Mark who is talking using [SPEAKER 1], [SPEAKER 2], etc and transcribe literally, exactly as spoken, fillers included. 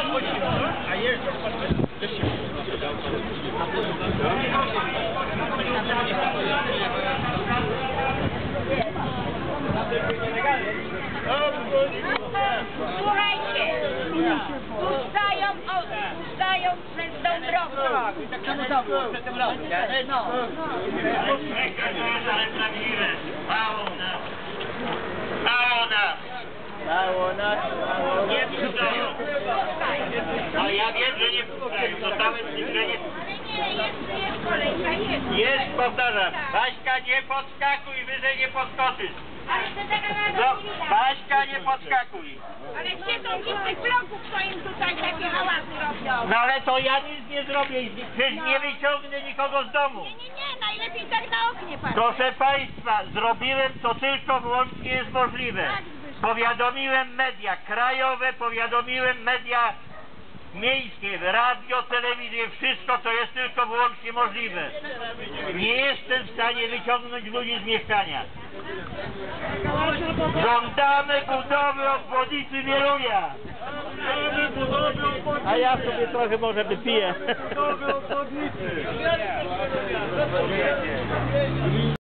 [SPEAKER 1] A jest
[SPEAKER 2] Słuchajcie, puszczają, o, puszczają przez tą drogę. No.
[SPEAKER 3] Mało nas. Mało nas.
[SPEAKER 1] mało nas, mało
[SPEAKER 3] Nie puszczają. Ale ja wiem, że nie puszczają. Dostałem zniżenie.
[SPEAKER 2] Nie, jest, jest kolejka, jest.
[SPEAKER 3] Jest, powtarzam. Baśka, nie podskakuj, wyżej nie podskoczysz.
[SPEAKER 2] Ale to taka
[SPEAKER 3] No,
[SPEAKER 2] chwila.
[SPEAKER 3] Baśka, nie podskakuj.
[SPEAKER 2] Ale gdzie są ci z tych bloków, co im tutaj takie hałasy robią?
[SPEAKER 3] No ale to ja nic nie zrobię. Przecież nie wyciągnę nikogo z domu.
[SPEAKER 2] Nie, nie, nie, najlepiej tak na oknie patrzeć.
[SPEAKER 3] Proszę Państwa, zrobiłem to tylko wyłącznie jest możliwe. Powiadomiłem media krajowe, powiadomiłem media miejskie, radio, telewizję, wszystko to jest tylko wyłącznie możliwe. Nie jestem w stanie wyciągnąć ludzi z mieszkania. Żądamy budowy obwodnicy Wielunia. A ja sobie trochę może wypiję.